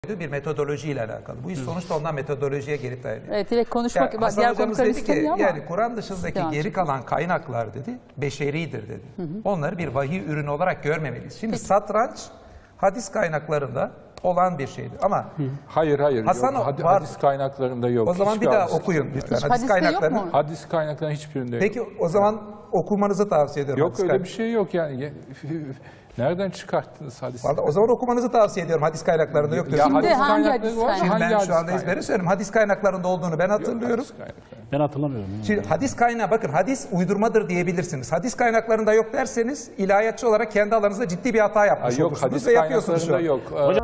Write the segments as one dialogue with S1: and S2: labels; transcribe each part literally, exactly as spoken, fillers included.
S1: bir metodolojiyle alakalı. Bu iş sonuçta ondan metodolojiye geri dayanıyor.
S2: Evet, direkt konuşmak,
S1: Yani Hasan
S2: diğer
S1: hocamız
S2: konuklar
S1: dedi ki,
S2: istemiyor ama.
S1: yani Kur'an dışındaki
S2: Yani.
S1: geri kalan kaynaklar dedi, beşeridir dedi. Hı hı. Onları bir vahiy ürünü olarak görmemeliyiz. Şimdi
S2: Peki.
S1: satranç hadis kaynaklarında olan bir şeydir. Ama
S3: Hayır hayır.
S1: Hasan
S3: yok. Hadi,
S1: var.
S3: hadis kaynaklarında yok.
S1: o zaman
S3: Hiçbir
S1: bir daha
S3: hadis
S1: okuyun
S3: kaynaklarında.
S1: lütfen.
S2: Hiç
S1: Hadis
S2: hadiste yok
S1: kaynaklarını.
S2: mu?
S3: Hadis kaynaklarının hiçbirinde yok.
S1: Peki o zaman okumanızı tavsiye ediyorum.
S3: Yok
S1: hadis
S3: öyle
S1: kaynak-
S3: bir şey yok yani. Nereden çıkarttınız hadisi?
S1: Vallahi o zaman okumanızı tavsiye ediyorum. Hadis kaynaklarında yok diyorsunuz.
S2: Şimdi
S3: hadis
S2: hangi
S3: kaynakları
S2: hadis
S3: var?
S2: kaynağı?
S1: Şimdi
S3: Hangi
S1: ben şu
S3: hadis
S1: anda
S3: kaynağı?
S1: ezbere söylüyorum. Hadis kaynaklarında olduğunu ben hatırlıyorum.
S3: Hadis kaynakları.
S4: Ben hatırlamıyorum. Yani.
S1: Şimdi hadis kaynağı, bakın hadis uydurmadır diyebilirsiniz. Hadis kaynaklarında yok derseniz ilahiyatçı olarak kendi alanınızda ciddi bir hata yapmış
S3: Ay, yok
S1: olursunuz
S3: hadis
S1: ve yapıyorsunuz şu
S3: kaynaklarında
S1: an.
S3: yok.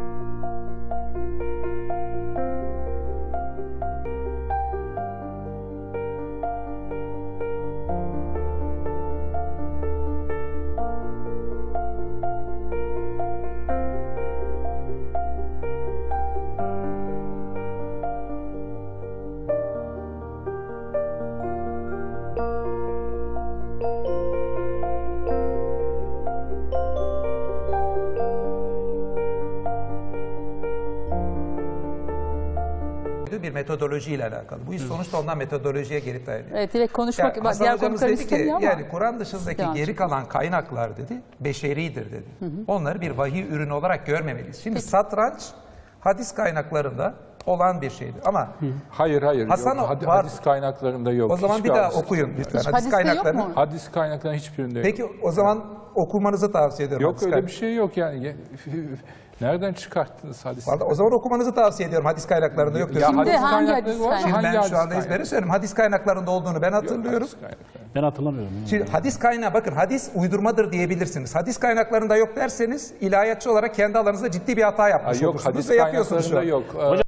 S1: Bir metodolojiyle alakalı. Bu iş sonuçta ondan metodolojiye geri dayanıyor.
S2: Evet, direkt konuşmak,
S1: Yani Hasan
S2: diğer
S1: hocamız
S2: konuklar
S1: dedi ki,
S2: istemiyor ama.
S1: yani Kur'an dışındaki
S2: Yani.
S1: geri kalan kaynaklar dedi, beşeridir dedi. Hı hı. Onları bir vahiy ürünü olarak görmemeliyiz. Şimdi satranç hadis kaynaklarında olan bir şeydir. Ama
S3: Hayır hayır.
S1: Hasan
S3: yok. Hadi,
S1: var.
S3: hadis kaynaklarında yok.
S1: o zaman
S3: Hiçbir
S1: bir daha
S3: hadis
S1: okuyun
S3: kaynaklarında.
S1: lütfen.
S2: Hiç
S1: Hadis
S2: hadiste yok
S1: kaynaklarını.
S2: mu?
S3: Hadis kaynaklarının hiçbirinde yok.
S1: Peki o zaman okumanızı tavsiye ediyorum.
S3: Yok
S1: hadis
S3: öyle
S1: kaynak-
S3: bir şey yok yani. Nereden çıkarttınız hadisi?
S1: Vallahi o zaman okumanızı tavsiye ediyorum. Hadis kaynaklarında yok diyorsunuz.
S2: Şimdi
S3: hadis
S2: hangi
S3: kaynakları
S2: hadis
S3: var?
S2: kaynağı?
S1: Şimdi
S3: Hangi
S1: ben
S3: hadis
S1: şu anda
S3: kaynağı?
S1: ezbere söylüyorum. Hadis kaynaklarında olduğunu ben
S3: Yok,
S1: hatırlıyorum.
S3: hadis kaynakları.
S4: Ben hatırlamıyorum. Yani.
S1: Şimdi hadis kaynağı, bakın hadis uydurmadır diyebilirsiniz. Hadis kaynaklarında yok derseniz ilahiyatçı olarak kendi alanınızda ciddi bir hata yapmış
S3: Ay, yok
S1: olursunuz
S3: hadis
S1: ve yapıyorsunuz şu an.
S3: kaynaklarında yok.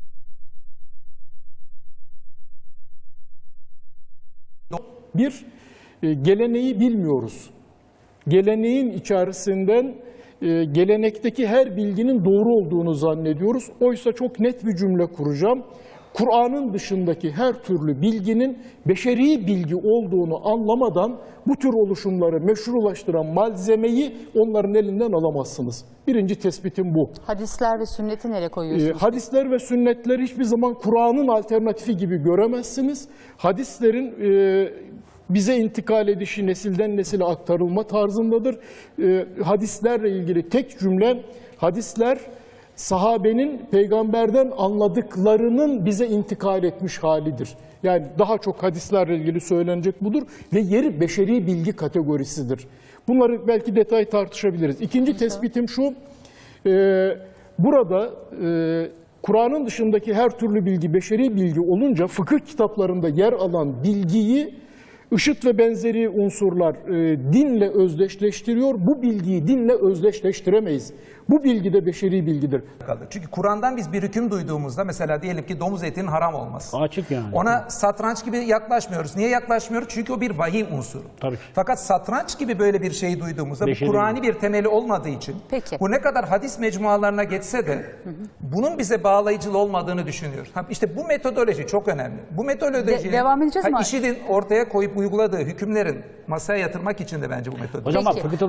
S5: Bir, e, geleneği bilmiyoruz. Geleneğin içerisinden e, gelenekteki her bilginin doğru olduğunu zannediyoruz. Oysa çok net bir cümle kuracağım. Kur'an'ın dışındaki her türlü bilginin beşeri bilgi olduğunu anlamadan bu tür oluşumları meşrulaştıran malzemeyi onların elinden alamazsınız. Birinci tespitim bu.
S2: Hadisler ve sünneti nereye
S5: E,
S2: koyuyorsunuz?
S5: hadisler ve sünnetleri hiçbir zaman Kur'an'ın alternatifi gibi göremezsiniz. Hadislerin e, bize intikal edişi nesilden nesile aktarılma tarzındadır. E, hadislerle ilgili tek cümle, hadisler sahabenin peygamberden anladıklarının bize intikal etmiş halidir. Yani daha çok hadislerle ilgili söylenecek budur ve yeri beşeri bilgi kategorisidir. Bunları belki detay tartışabiliriz. İkinci tespitim şu, e, burada e, Kur'an'ın dışındaki her türlü bilgi beşeri bilgi olunca fıkıh kitaplarında yer alan bilgiyi IŞİD ve benzeri unsurlar e, dinle özdeşleştiriyor. Bu bilgiyi dinle özdeşleştiremeyiz. Bu bilgi de beşeri bilgidir.
S1: Çünkü Kur'an'dan biz bir hüküm duyduğumuzda, mesela diyelim ki domuz etinin haram olması.
S4: Açık yani.
S1: Ona satranç gibi yaklaşmıyoruz. Niye yaklaşmıyoruz? Çünkü o bir vahiy unsuru.
S4: Tabii ki.
S1: Fakat satranç gibi böyle bir şeyi duyduğumuzda
S4: Beşeri
S1: bu Kur'an'i bir temeli olmadığı için
S2: Peki.
S1: bu ne kadar hadis mecmualarına geçse de bunun bize bağlayıcı olmadığını düşünüyoruz. Ha, İşte bu metodoloji çok önemli. Bu metodoloji
S2: De- devam edeceğiz mi?
S1: IŞİD'in ortaya koyup uyguladığı hükümlerin masaya yatırmak için de bence bu metodoloji.
S4: Hocam bak
S2: Peki.
S4: fıkıhta